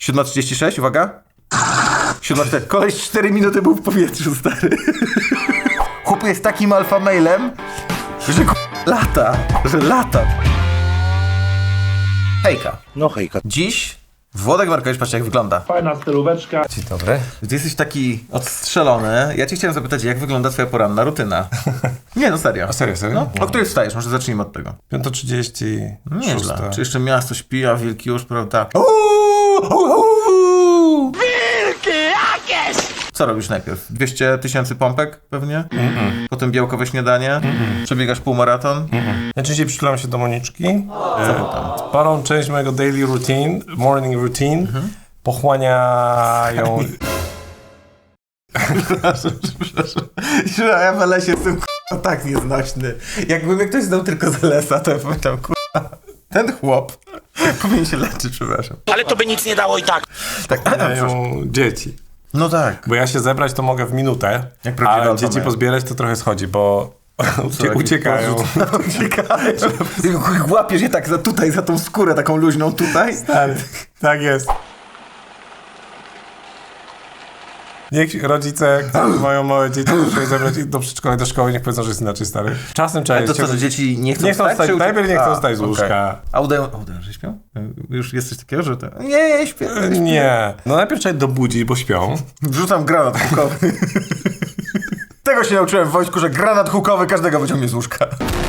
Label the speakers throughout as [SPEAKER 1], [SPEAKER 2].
[SPEAKER 1] 7:36, uwaga. 7:04. Koleś 4 minuty był w powietrzu, stary. Chłop jest takim alfa mailem, że lata. Hejka.
[SPEAKER 2] No hejka.
[SPEAKER 1] Dziś Włodek Markowicz, patrzcie jak wygląda.
[SPEAKER 3] Fajna stylóweczka.
[SPEAKER 1] Dzień dobry. Ty jesteś taki odstrzelony. Ja cię chciałem zapytać, jak wygląda twoja poranna rutyna? Nie, no serio.
[SPEAKER 4] A serio?
[SPEAKER 1] No, o której wstajesz? Może zacznijmy od tego.
[SPEAKER 4] 5:30.
[SPEAKER 1] Nieźle. Czy jeszcze miasto śpi, a wilki już, prawda? Wilki jakieś! Co robisz najpierw? 200 000 pompek pewnie? Potem białkowe śniadanie? Przebiegasz półmaraton?
[SPEAKER 4] Ja częściej przytulam się do Moniczki. Sporą część mojego daily routine, morning routine, pochłaniają...
[SPEAKER 1] Przepraszam. Ja w LS jestem tak nieznośny. Jakby mnie ktoś znał tylko z LS-a, to ja pamiętam, ten chłop powinien się leczyć, przepraszam.
[SPEAKER 2] Ale to by nic nie dało i tak.
[SPEAKER 4] Pochłaniają dzieci.
[SPEAKER 1] No tak.
[SPEAKER 4] Bo ja się zebrać to mogę w minutę,
[SPEAKER 1] Jak prawdziwy
[SPEAKER 4] ale
[SPEAKER 1] alfa
[SPEAKER 4] dzieci
[SPEAKER 1] male.
[SPEAKER 4] pozbierać to trochę schodzi, bo uciekają.
[SPEAKER 1] Łapiesz je tak za tą skórę taką luźną tutaj.
[SPEAKER 4] Stary, tak jest. Niech rodzice, którzy mają małe dzieci, muszą je zabrać do przedszkola i do szkoły, niech powiedzą, że jest inaczej, stary. Czasem trzeba
[SPEAKER 1] Ale to co, że dzieci nie chcą wstać?
[SPEAKER 4] Najpierw nie chcą wstać z łóżka.
[SPEAKER 1] A udają, że śpią? Już jest coś takiego, że to... Nie, śpię.
[SPEAKER 4] Nie. No najpierw trzeba je dobudzić, bo śpią.
[SPEAKER 1] Wrzucam granat hukowy. Tego się nauczyłem w wojsku, że granat hukowy każdego wyciągnie z łóżka.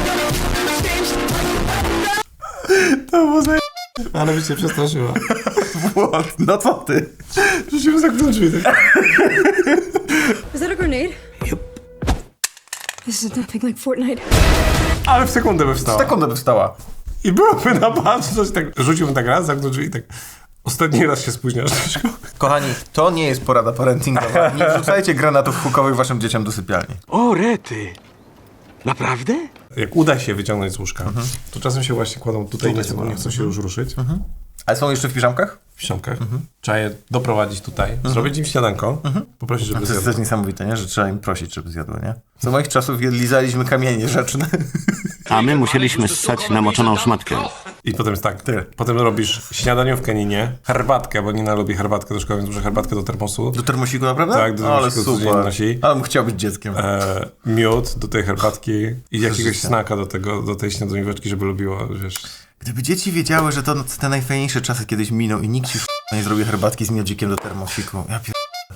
[SPEAKER 4] To było ale by cię przestraszyła.
[SPEAKER 1] No co ty?
[SPEAKER 4] Rzuciłem za drzwi.
[SPEAKER 5] Is that a grenade? Yep. This is nothing like Fortnite.
[SPEAKER 4] Ale w sekundę by wstała.
[SPEAKER 1] Sekundę by wstała.
[SPEAKER 4] I byłoby na baczność, tak rzuciłbym tak raz, zamknął drzwi i tak ostatni raz się spóźniasz do szkoły.
[SPEAKER 1] Kochani, to nie jest porada parentingowa. Nie wrzucajcie granatów hukowych waszym dzieciom do sypialni.
[SPEAKER 2] O, rety. Naprawdę?
[SPEAKER 4] Jak uda się wyciągnąć z łóżka, to czasem się właśnie kładą tutaj, nie chcą się już ruszyć.
[SPEAKER 1] Ale są jeszcze w piżamkach?
[SPEAKER 4] W ściągach. Trzeba je doprowadzić tutaj, zrobić im śniadanko, poprosić, żeby
[SPEAKER 1] To jest
[SPEAKER 4] zjadły.
[SPEAKER 1] też niesamowite, nie? Że trzeba im prosić, żeby zjadły, nie? Za moich czasów lizaliśmy kamienie rzeczne.
[SPEAKER 2] A my musieliśmy ssać namoczoną szmatkę.
[SPEAKER 4] I potem jest tak, potem robisz śniadaniówkę Ninie, herbatkę, bo Nina lubi herbatkę do szkoły, więc może herbatkę do termosu.
[SPEAKER 1] Do termosiku naprawdę?
[SPEAKER 4] Tak, do
[SPEAKER 1] Ale
[SPEAKER 4] termosiku codziennie
[SPEAKER 1] super.
[SPEAKER 4] nosi.
[SPEAKER 1] Ale bym chciał być dzieckiem.
[SPEAKER 4] Miód do tej herbatki i jakiegoś snaka do tej śniadanióweczki, żeby lubiło, wiesz.
[SPEAKER 1] Gdyby dzieci wiedziały, że to te najfajniejsze czasy kiedyś miną i nikt ci nie zrobi herbatki z miodzikiem do termosiku. Ja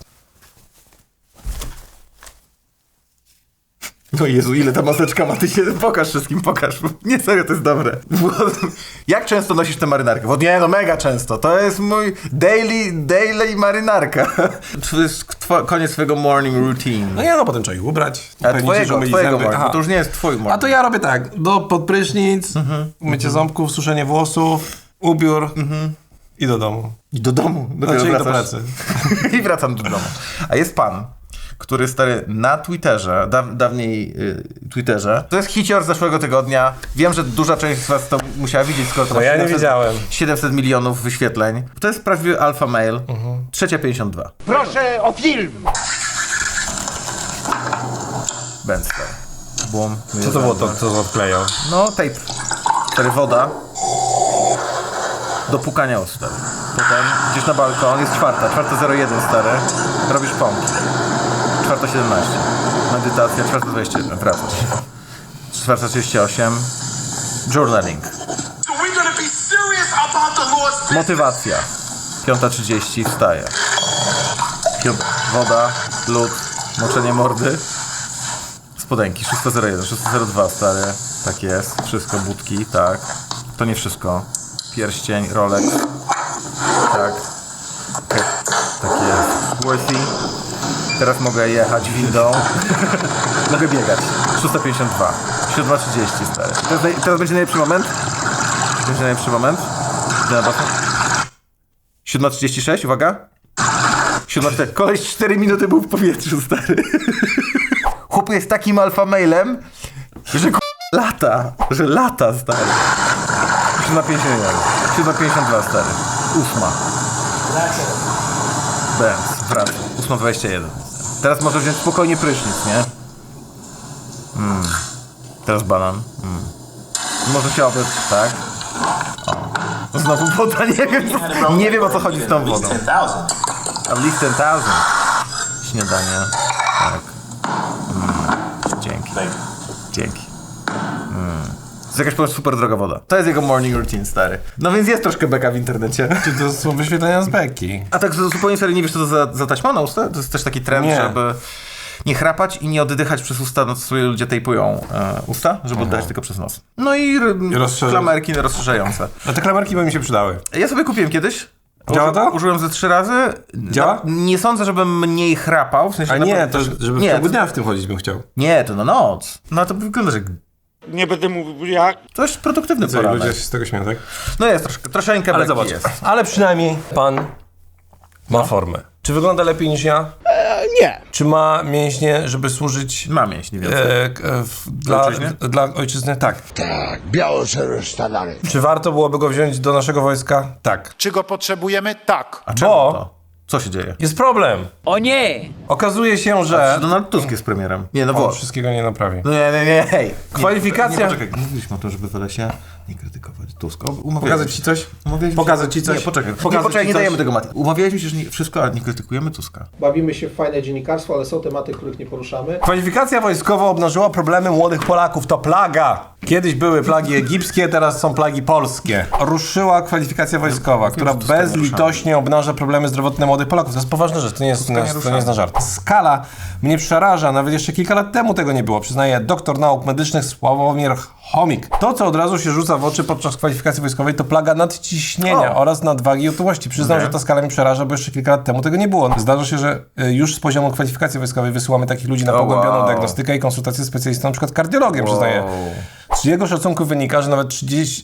[SPEAKER 1] No Jezu, ile ta maseczka ma, ty się pokaż wszystkim, pokaż. Nie, serio, to jest dobre. Jak często nosisz tę marynarkę? Bo nie, no mega często. To jest mój daily marynarka. To jest koniec twojego morning routine.
[SPEAKER 4] No ja potem trzeba ich ubrać.
[SPEAKER 1] A
[SPEAKER 4] upewnić się, że
[SPEAKER 1] twojego
[SPEAKER 4] umyli
[SPEAKER 1] morning,
[SPEAKER 4] zęby.
[SPEAKER 1] bo to już nie jest twój morning.
[SPEAKER 4] A to ja robię tak, pod prysznic, mycie ząbków, suszenie włosów, ubiór i do domu.
[SPEAKER 1] I do domu.
[SPEAKER 4] Znaczy do pracy.
[SPEAKER 1] I wracam do domu. A jest pan, który stary na Twitterze, dawniej Twitterze, to jest hicior z zeszłego tygodnia. Wiem, że duża część z was to musiała widzieć, skoro to ma
[SPEAKER 4] No ja nie widziałem.
[SPEAKER 1] 700 milionów wyświetleń. To jest prawdziwy alfa male. 3:52.
[SPEAKER 2] Proszę o film!
[SPEAKER 1] Bęster. Boom.
[SPEAKER 4] Co to było to, co odklejał?
[SPEAKER 1] No, tape. Stary, woda. Do pukania ust, stary. Potem idziesz na balkon, jest 4:01, stary. Robisz pompki. 4:17. Medytacja, 4:21. Wracasz. 4:38. Journaling. Motywacja. 5:30. Wstaje. Woda, lód, moczenie mordy. Spodenki. 6:01. 6:02, stary. Tak jest. Wszystko, budki, tak. To nie wszystko. Pierścień, Rolex. Tak. Tak jest. Worthy. Teraz mogę jechać windą. Mogę biegać. 6:52. 7:30, stary. Teraz będzie najlepszy moment. Będzie najlepszy moment. Idę na basen. 7:36, uwaga. 7:04. Koleś 4 minuty był w powietrzu, stary. Chłop jest takim alfa mailem, że lata, stary. 7:51. 7:52, stary. 8. Benz, wraca. 8:21. Teraz może wziąć spokojnie prysznic, nie? Teraz banan. Może się obyć, tak? O. Znowu woda, nie wiem o co chodzi z tą wodą. At least 10,000. Śniadanie. Tak. Dzięki. Dzięki. To jest jakaś po prostu super droga woda. To jest jego morning routine, stary. No więc jest troszkę beka w internecie.
[SPEAKER 4] Czy to są wyświetlenia z beki?
[SPEAKER 1] A tak zupełnie serio nie wiesz, co to za taśma na usta? To jest też taki trend,
[SPEAKER 4] Nie.
[SPEAKER 1] żeby nie chrapać i nie oddychać przez usta, no to sobie ludzie tejpują usta, żeby oddychać tylko przez nos. No i klamerki rozszerzające.
[SPEAKER 4] A te klamerki by mi się przydały.
[SPEAKER 1] Ja sobie kupiłem kiedyś.
[SPEAKER 4] Działa to?
[SPEAKER 1] Użyłem ze 3 razy.
[SPEAKER 4] Działa?
[SPEAKER 1] Nie sądzę, żebym mniej chrapał. W sensie
[SPEAKER 4] A nie, to żeby w
[SPEAKER 1] nie,
[SPEAKER 4] ciągu dnia w tym chodzić bym chciał.
[SPEAKER 1] nie, to na noc. No to wygląda, że
[SPEAKER 2] Nie będę mówił jak.
[SPEAKER 1] dość produktywny
[SPEAKER 4] Co,
[SPEAKER 1] poranek.
[SPEAKER 4] ludzie się z tego śmieją, tak?
[SPEAKER 1] No jest troszeczkę
[SPEAKER 4] Ale
[SPEAKER 1] beki
[SPEAKER 4] zobacz,
[SPEAKER 1] jest.
[SPEAKER 4] ale przynajmniej pan ma formę. Czy wygląda lepiej niż ja?
[SPEAKER 2] Nie.
[SPEAKER 4] Czy ma mięśnie, żeby służyć
[SPEAKER 1] Mam mięśnie więcej.
[SPEAKER 4] dla ojczyzny? Tak.
[SPEAKER 3] Tak, biało-szare sztandary.
[SPEAKER 4] Czy warto byłoby go wziąć do naszego wojska? Tak.
[SPEAKER 3] Czy go potrzebujemy? Tak.
[SPEAKER 1] A czemu
[SPEAKER 4] bo-
[SPEAKER 1] to? Co się dzieje?
[SPEAKER 4] Jest problem.
[SPEAKER 6] O nie!
[SPEAKER 4] Okazuje się,
[SPEAKER 1] Czy
[SPEAKER 4] że
[SPEAKER 1] Donald Tusk jest premierem? Nie, no
[SPEAKER 4] on
[SPEAKER 1] bo...
[SPEAKER 4] wszystkiego nie naprawi.
[SPEAKER 1] No nie, hej.
[SPEAKER 4] Kwalifikacja-
[SPEAKER 1] Nie, poczekaj, mówiliśmy o tym, żeby w lesie nie krytykować Tuska.
[SPEAKER 4] Pokazać ci coś?
[SPEAKER 1] Umawialiśmy
[SPEAKER 4] Pokazać ci coś?
[SPEAKER 1] Nie, poczekaj,
[SPEAKER 4] Pokazać ci
[SPEAKER 1] nie
[SPEAKER 4] coś?
[SPEAKER 1] dajemy tego Mati. Umawialiśmy się, że wszystko, ale nie krytykujemy Tuska.
[SPEAKER 7] Bawimy się w fajne dziennikarstwo, ale są tematy, których nie poruszamy.
[SPEAKER 4] Kwalifikacja wojskowa obnażyła problemy młodych Polaków. To plaga. Kiedyś były plagi egipskie, teraz są plagi polskie. Ruszyła kwalifikacja wojskowa, która
[SPEAKER 1] że Tuska nie
[SPEAKER 4] bezlitośnie obnaża problemy zdrowotne młodych Polaków. To jest poważna rzecz, to nie jest na żart. Skala mnie przeraża, nawet jeszcze kilka lat temu tego nie było, przyznaje doktor nauk medycznych Sławomir Chomik. To, co od razu się rzuca w oczy podczas kwalifikacji wojskowej, to plaga nadciśnienia oraz nadwagi i otyłości. Przyznam, że ta skala mnie przeraża, bo jeszcze kilka lat temu tego nie było. Zdarza się, że już z poziomu kwalifikacji wojskowej wysyłamy takich ludzi na pogłębioną diagnostykę i konsultację z specjalistą, na przykład kardiologiem, przyznaje. Z jego szacunku wynika, że nawet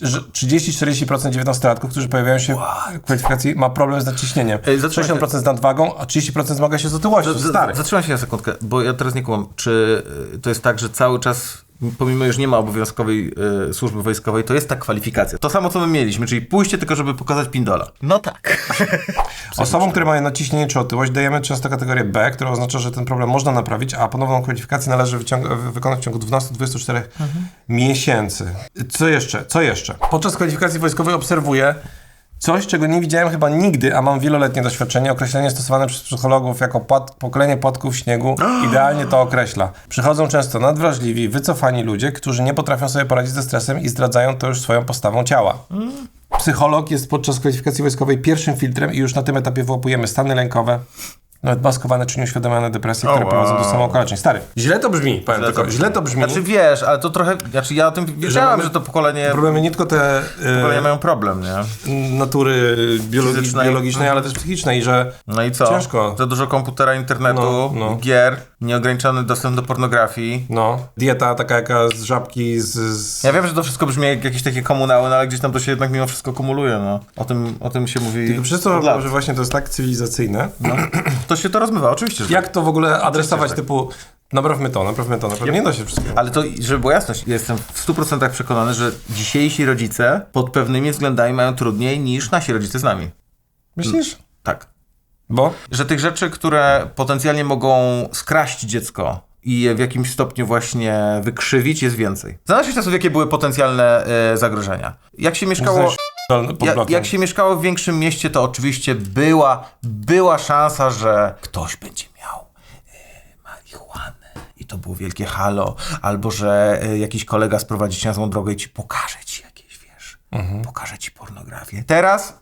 [SPEAKER 4] 30-40% dziewiętnastolatków, którzy pojawiają się w kwalifikacji, ma problem z nadciśnieniem. 60% z nadwagą, a 30% zmaga się z otyłością. Stary.
[SPEAKER 1] Zatrzymaj się na sekundkę, bo ja teraz nie kumam. Czy to jest tak, że cały czas, pomimo już nie ma obowiązkowej służby wojskowej, to jest ta kwalifikacja. To samo, co my mieliśmy, czyli pójście tylko, żeby pokazać pindola. No tak.
[SPEAKER 4] Osobom, które mają nadciśnienie czy otyłość, dajemy często kategorię B, która oznacza, że ten problem można naprawić, a ponowną kwalifikację należy wykonać w ciągu 12-24 miesięcy. Co jeszcze? Podczas kwalifikacji wojskowej obserwuję coś, czego nie widziałem chyba nigdy, a mam wieloletnie doświadczenie. Określenie stosowane przez psychologów jako pokolenie płatków śniegu idealnie to określa. Przychodzą często nadwrażliwi, wycofani ludzie, którzy nie potrafią sobie poradzić ze stresem i zdradzają to już swoją postawą ciała. Psycholog jest podczas kwalifikacji wojskowej pierwszym filtrem i już na tym etapie wyłapujemy stany lękowe, nawet maskowane czy nieuświadomione depresje, które prowadzą do samookaleczeń. Stary, źle to brzmi, powiem tylko, źle to brzmi.
[SPEAKER 1] Znaczy wiesz, ale to trochę, znaczy ja o tym wiedziałem, że to pokolenie
[SPEAKER 4] Problemy nie tylko te
[SPEAKER 1] mają problem, nie?
[SPEAKER 4] natury
[SPEAKER 1] Fizycznej.
[SPEAKER 4] biologicznej, ale też psychicznej, że
[SPEAKER 1] No i co?
[SPEAKER 4] ciężko.
[SPEAKER 1] Za dużo komputera, internetu,
[SPEAKER 4] No.
[SPEAKER 1] gier, nieograniczony dostęp do pornografii.
[SPEAKER 4] dieta taka jaka z żabki,
[SPEAKER 1] Ja wiem, że to wszystko brzmi jak jakieś takie komunały, no ale gdzieś tam to się jednak mimo wszystko kumuluje, no. O tym się mówi
[SPEAKER 4] Tylko przez to,
[SPEAKER 1] od lat.
[SPEAKER 4] że właśnie to jest tak cywilizacyjne.
[SPEAKER 1] To się to rozmywa, oczywiście, że
[SPEAKER 4] Jak to w ogóle adresować
[SPEAKER 1] tak.
[SPEAKER 4] typu naprawmy to, naprawdę nie da się wszystkiego.
[SPEAKER 1] Ale to, żeby była jasność, jestem w 100% przekonany, że dzisiejsi rodzice pod pewnymi względami mają trudniej niż nasi rodzice z nami.
[SPEAKER 4] Myślisz?
[SPEAKER 1] Tak.
[SPEAKER 4] Bo?
[SPEAKER 1] Że tych rzeczy, które potencjalnie mogą skraść dziecko i je w jakimś stopniu właśnie wykrzywić, jest więcej. Za naszych czasów jakie były potencjalne zagrożenia? Jak się mieszkało... Jak się mieszkało w większym mieście, to oczywiście była szansa, że ktoś będzie miał marihuanę i to było wielkie halo, albo że jakiś kolega sprowadzi cię na złą drogę i ci pokaże ci jakieś, wiesz, pokaże ci pornografię. Teraz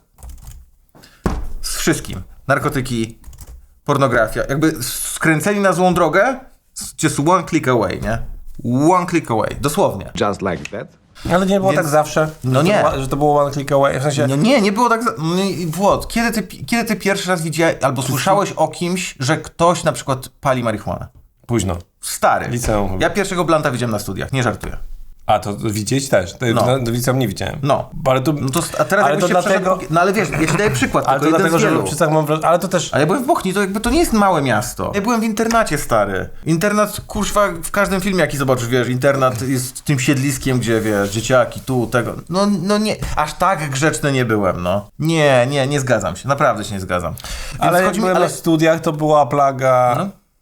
[SPEAKER 1] z wszystkim. Narkotyki, pornografia, jakby skręceni na złą drogę, just one click away, nie? One click away, dosłownie.
[SPEAKER 2] Just like that.
[SPEAKER 4] Ale nie było
[SPEAKER 1] Więc-
[SPEAKER 4] tak zawsze,
[SPEAKER 1] No nie.
[SPEAKER 4] że to było one click away, w sensie...
[SPEAKER 1] No nie było tak... Włod, kiedy ty pierwszy raz widziałeś albo słyszałeś o kimś, że ktoś na przykład pali marihuanę?
[SPEAKER 4] Późno.
[SPEAKER 1] Stary.
[SPEAKER 4] Liceum.
[SPEAKER 1] Ja pierwszego blanta widziałem na studiach, nie żartuję.
[SPEAKER 4] A, to widzieć też. Do liceum nie widziałem.
[SPEAKER 1] No.
[SPEAKER 4] Ale to,
[SPEAKER 1] A teraz
[SPEAKER 4] ale
[SPEAKER 1] jakbyś
[SPEAKER 4] to
[SPEAKER 1] się
[SPEAKER 4] dlatego...
[SPEAKER 1] przeszedł- No ale wiesz, ja ci daję przykład,
[SPEAKER 4] Ale to
[SPEAKER 1] tylko
[SPEAKER 4] dlatego,
[SPEAKER 1] jeden z
[SPEAKER 4] że
[SPEAKER 1] wielu.
[SPEAKER 4] w Pszczycach mam wrażenie... Ale to też...
[SPEAKER 1] Ale ja byłem w Bochni, to jakby to nie jest małe miasto. Ja byłem w internacie, stary. Internat, kurwa, w każdym filmie, jaki zobaczysz, wiesz, internat jest tym siedliskiem, gdzie, wiesz, dzieciaki, tu, tego. No nie, aż tak grzeczny nie byłem, no. Nie zgadzam się, naprawdę się nie zgadzam. Więc
[SPEAKER 4] Ale jak
[SPEAKER 1] chodzi mi-
[SPEAKER 4] byłem na studiach, to była plaga...
[SPEAKER 1] No.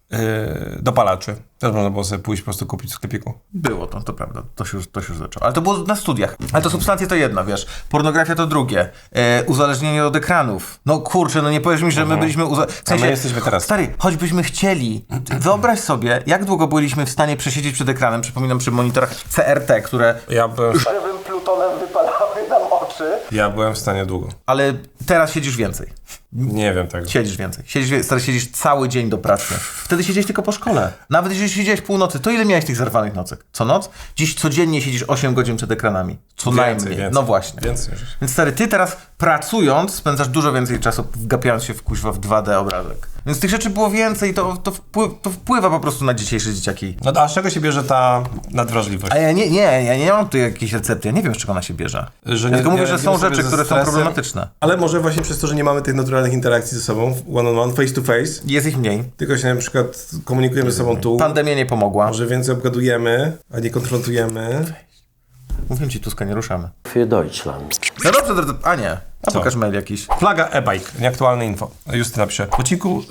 [SPEAKER 4] dopalaczy. Też można było sobie pójść po prostu kupić w sklepiku.
[SPEAKER 1] Było to prawda, to się już zaczęło. Ale to było na studiach. Ale to substancje to jedno, wiesz, pornografia to drugie, uzależnienie od ekranów. No kurczę, no nie powiesz mi, że my byliśmy
[SPEAKER 4] A my jesteśmy teraz.
[SPEAKER 1] Stary, choćbyśmy chcieli, wyobraź sobie, jak długo byliśmy w stanie przesiedzieć przed ekranem, przypominam przy monitorach CRT, które
[SPEAKER 4] Ja byłem
[SPEAKER 1] plutonem wypalały nam oczy.
[SPEAKER 4] Ja byłem w stanie długo.
[SPEAKER 1] Ale teraz siedzisz więcej.
[SPEAKER 4] Nie wiem tego.
[SPEAKER 1] Siedzisz więcej. Stary, siedzisz cały dzień do pracy. Wtedy siedziałeś tylko po szkole. Nawet jeżeli siedziałeś północy, to ile miałeś tych zerwanych nocek? Co noc? Dziś codziennie siedzisz 8 godzin przed ekranami. Co najmniej. No właśnie.
[SPEAKER 4] Więcej.
[SPEAKER 1] Więc stary, ty teraz pracując spędzasz dużo więcej czasu wgapiając się w 2D obrazek. Więc tych rzeczy było więcej i to wpływa po prostu na dzisiejsze dzieciaki.
[SPEAKER 4] No a z czego się bierze ta nadwrażliwość?
[SPEAKER 1] A ja nie mam tu jakiejś recepty, ja nie wiem z czego ona się bierze.
[SPEAKER 4] Że
[SPEAKER 1] Ja tylko mówię, że
[SPEAKER 4] radzimy
[SPEAKER 1] są
[SPEAKER 4] sobie
[SPEAKER 1] rzeczy,
[SPEAKER 4] ze
[SPEAKER 1] które są
[SPEAKER 4] stresem.
[SPEAKER 1] problematyczne.
[SPEAKER 4] Ale może właśnie przez to, że nie mamy tych naturalnych interakcji ze sobą, one on one, face to face,
[SPEAKER 1] Jest ich mniej.
[SPEAKER 4] tylko się na przykład komunikujemy ze sobą tu,
[SPEAKER 1] Pandemia nie pomogła.
[SPEAKER 4] może więcej obgadujemy, a nie konfrontujemy.
[SPEAKER 1] Mówię ci, Tuska, nie ruszamy.
[SPEAKER 6] Für Deutschland.
[SPEAKER 1] No dobrze, drodzy... A nie. A
[SPEAKER 4] Co?
[SPEAKER 1] pokaż mail jakiś.
[SPEAKER 4] Flaga e-bike, nieaktualne info. Justyna pisze. W odcinku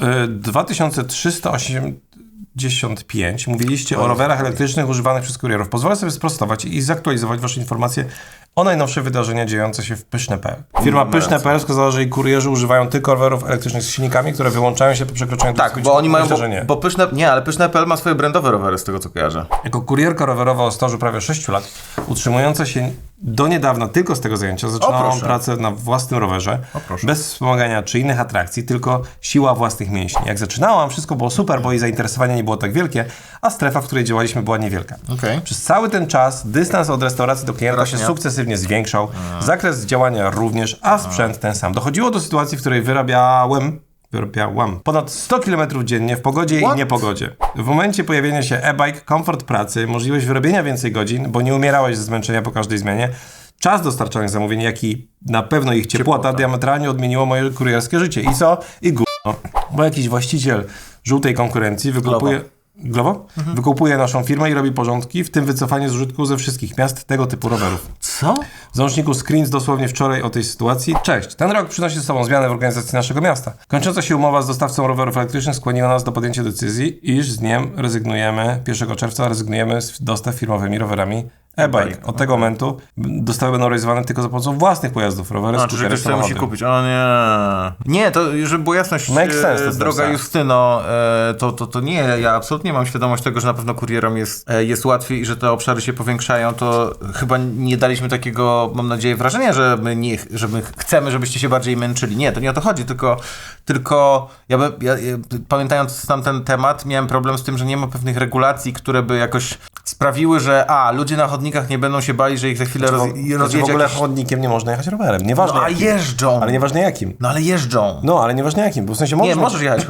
[SPEAKER 4] 2385 mówiliście o rowerach elektrycznych używanych przez kurierów. Pozwolę sobie sprostować i zaktualizować wasze informacje o najnowsze wydarzenia dziejące się w Pyszne.pl. Firma Pyszne.pl wskazała, że jej kurierzy używają tylko rowerów elektrycznych z silnikami, które wyłączają się po przekroczeniu
[SPEAKER 1] Tak, bo oni mają...
[SPEAKER 4] Myślę, że nie.
[SPEAKER 1] Bo Pyszne.pl ma swoje brandowe rowery, z tego co kojarzę.
[SPEAKER 4] Jako kurierka rowerowa o stażu prawie 6 lat, utrzymująca się do niedawna tylko z tego zajęcia, zaczynałam
[SPEAKER 1] proszę.
[SPEAKER 4] pracę na własnym rowerze,
[SPEAKER 1] proszę.
[SPEAKER 4] bez wspomagania czy innych atrakcji, tylko siła własnych mięśni. Jak zaczynałam, wszystko było super, bo jej zainteresowanie nie było tak wielkie, a strefa, w której działaliśmy, była niewielka.
[SPEAKER 1] Okej.
[SPEAKER 4] Przez cały ten czas dystans od restauracji do klienta się
[SPEAKER 1] Rośnie.
[SPEAKER 4] sukcesywnie zwiększał, zakres działania również, a sprzęt ten sam. Dochodziło do sytuacji, w której wyrabiałam ponad 100 km dziennie w pogodzie i niepogodzie. W momencie pojawienia się e-bike, komfort pracy, możliwość wyrobienia więcej godzin, bo nie umierałeś ze zmęczenia po każdej zmianie, czas dostarczonych zamówień, jak i na pewno ich ciepłota diametralnie odmieniło moje kurierskie życie. I co? I gówno. Bo jakiś właściciel żółtej konkurencji wykupuje... Glovo? Wykupuje naszą firmę i robi porządki, w tym wycofanie z użytku ze wszystkich miast tego typu rowerów.
[SPEAKER 1] Co?
[SPEAKER 4] W załączniku screens dosłownie wczoraj o tej sytuacji. Cześć, ten rok przynosi ze sobą zmiany w organizacji naszego miasta. Kończąca się umowa z dostawcą rowerów elektrycznych skłoniła nas do podjęcia decyzji, iż z dniem rezygnujemy, 1 czerwca rezygnujemy z dostaw firmowymi rowerami e-bike. Od tego momentu dostawy będą realizowane tylko za pomocą własnych pojazdów, rowery,
[SPEAKER 1] A, czy
[SPEAKER 4] skutery,
[SPEAKER 1] ktoś sobie musi
[SPEAKER 4] samochody.
[SPEAKER 1] kupić? O nie. Nie, to żeby była jasność,
[SPEAKER 4] Make sense, to jest
[SPEAKER 1] droga
[SPEAKER 4] ten
[SPEAKER 1] Justyno, to nie, ja absolutnie mam świadomość tego, że na pewno kurierom jest łatwiej i że te obszary się powiększają, to chyba nie daliśmy takiego, mam nadzieję, wrażenia, że my chcemy, żebyście się bardziej męczyli. Nie, to nie o to chodzi, tylko ja pamiętając tamten temat, miałem problem z tym, że nie ma pewnych regulacji, które by jakoś sprawiły, że ludzie na chodnikach nie będą się bali, że ich za chwilę
[SPEAKER 4] W
[SPEAKER 1] rozjedzie
[SPEAKER 4] ogóle
[SPEAKER 1] jakiś...
[SPEAKER 4] chodnikiem nie można jechać rowerem. Nieważne
[SPEAKER 1] No, a
[SPEAKER 4] jakim.
[SPEAKER 1] jeżdżą!
[SPEAKER 4] Ale nieważne jakim.
[SPEAKER 1] No ale jeżdżą!
[SPEAKER 4] No, ale nieważne jakim, bo w sensie
[SPEAKER 1] Nie, możesz jechać.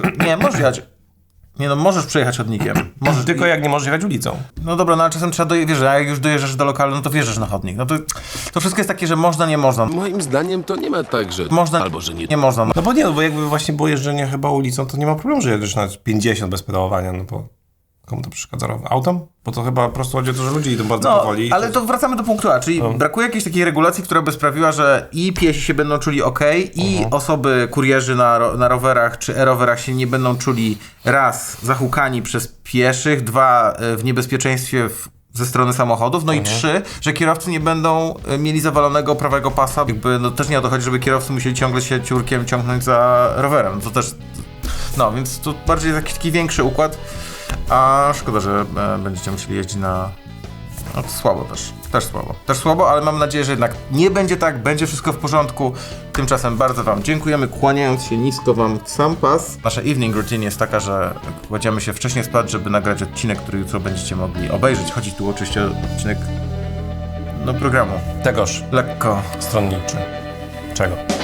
[SPEAKER 1] Nie, no możesz przejechać chodnikiem. Możesz,
[SPEAKER 4] Tylko jak nie możesz jechać ulicą.
[SPEAKER 1] No dobra, no ale czasem trzeba dojechać, a jak już dojeżdżasz do lokalu, no to wjeżdżasz na chodnik. No to wszystko jest takie, że można, nie można.
[SPEAKER 8] Moim zdaniem to nie ma tak, że
[SPEAKER 1] Można,
[SPEAKER 8] albo że nie.
[SPEAKER 1] nie można. No.
[SPEAKER 4] No bo nie, no bo jakby właśnie było jeżdżenie chyba ulicą, to nie ma problemu, że jedziesz na 50 bez pedałowania, no bo komu to przeszkadza? Autom? Bo to chyba po prostu chodzi o to, że ludzie idą bardzo powoli.
[SPEAKER 1] Ale to wracamy do punktu A, czyli brakuje jakiejś takiej regulacji, która by sprawiła, że i piesi się będą czuli i osoby, kurierzy na rowerach czy e-rowerach się nie będą czuli raz zahukani przez pieszych, 2 w niebezpieczeństwie ze strony samochodów, no i 3, że kierowcy nie będą mieli zawalonego prawego pasa, jakby no też nie o to chodzi, żeby kierowcy musieli ciągle się ciurkiem ciągnąć za rowerem, no to też, no więc tu bardziej jest jakiś taki większy układ, a szkoda, że będziecie musieli jeździć na... No to słabo też słabo, ale mam nadzieję, że jednak nie będzie tak, będzie wszystko w porządku. Tymczasem bardzo wam dziękujemy, kłaniając się nisko wam w sam pas. Nasza evening routine jest taka, że kładziemy się wcześniej spać, żeby nagrać odcinek, który jutro będziecie mogli obejrzeć. Chodzi tu oczywiście o odcinek programu.
[SPEAKER 4] Tegoż
[SPEAKER 1] Lekko
[SPEAKER 4] stronniczy. Czego?